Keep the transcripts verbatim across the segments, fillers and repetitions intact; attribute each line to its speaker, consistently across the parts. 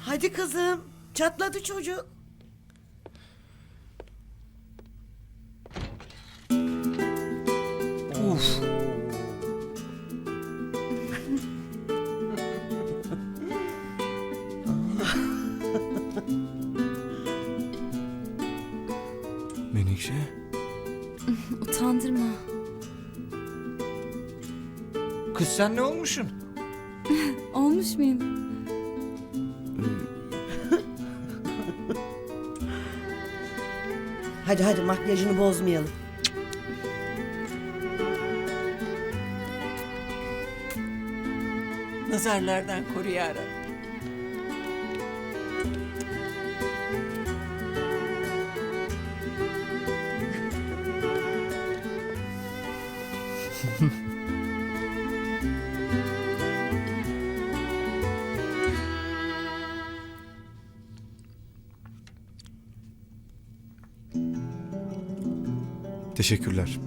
Speaker 1: Hadi kızım. Çatladı çocuk.
Speaker 2: Uf. Menekşe.
Speaker 3: Utandırma.
Speaker 2: Kız sen ne olmuşsun?
Speaker 3: Olmuş muyum?
Speaker 1: Hadi hadi makyajını bozmayalım.
Speaker 4: Nazarlardan koru ya Rabbi.
Speaker 5: Teşekkürler.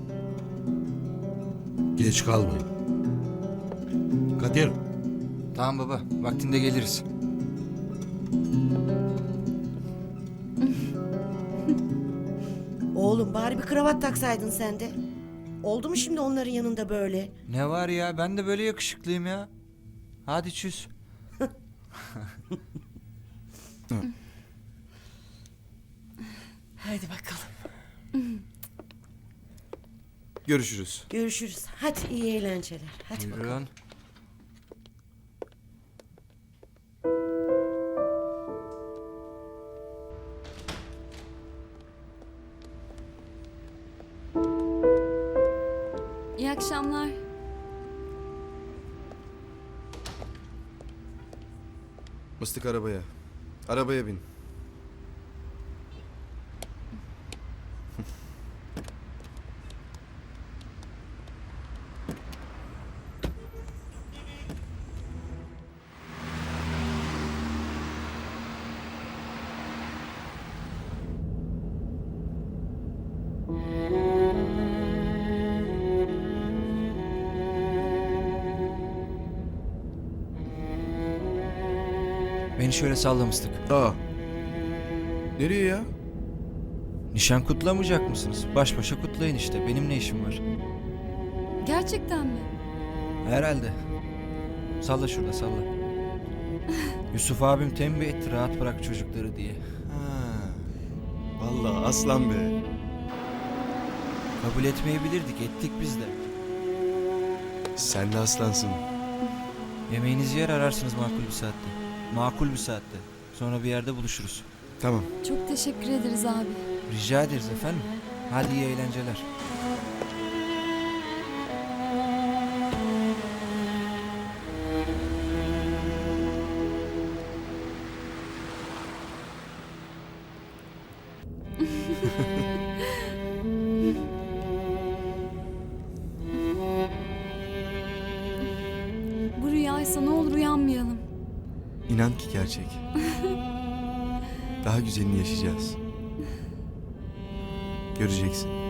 Speaker 6: Geç kalmayın. Kadir,
Speaker 2: Tamam baba, vaktinde geliriz.
Speaker 1: Oğlum bari bir kravat taksaydın sen de. Oldu mu şimdi onların yanında böyle?
Speaker 2: Ne var ya, ben de böyle yakışıklıyım ya. Hadi çüz.
Speaker 4: Hadi bakalım.
Speaker 5: Görüşürüz.
Speaker 1: Görüşürüz. Hadi iyi eğlenceler. Hadi bakalım.
Speaker 2: Buyurun.
Speaker 3: İyi akşamlar.
Speaker 5: Mıstık arabaya. Arabaya bin.
Speaker 2: Beni şöyle sallamıştık.
Speaker 5: Aa. Nereye ya?
Speaker 2: Nişan kutlamayacak mısınız? Baş başa kutlayın işte. Benim ne işim var?
Speaker 3: Gerçekten mi?
Speaker 2: Herhalde. Salla şurada salla. Yusuf abim tembih etti rahat bırak çocukları diye.
Speaker 5: Ha. Vallahi aslan be.
Speaker 2: Kabul etmeyebilirdik, ettik biz de.
Speaker 5: Sen de aslansın.
Speaker 2: Yemeğinizi yer ararsınız makul bir saatte. Makul bir saatte. Sonra bir yerde buluşuruz.
Speaker 5: Tamam.
Speaker 3: Çok teşekkür ederiz abi.
Speaker 2: Rica ederiz efendim. Hadi iyi eğlenceler.
Speaker 3: Bu rüyaysa ne olur uyanmayalım.
Speaker 5: İnan ki gerçek. Daha güzelini yaşayacağız. Göreceksin.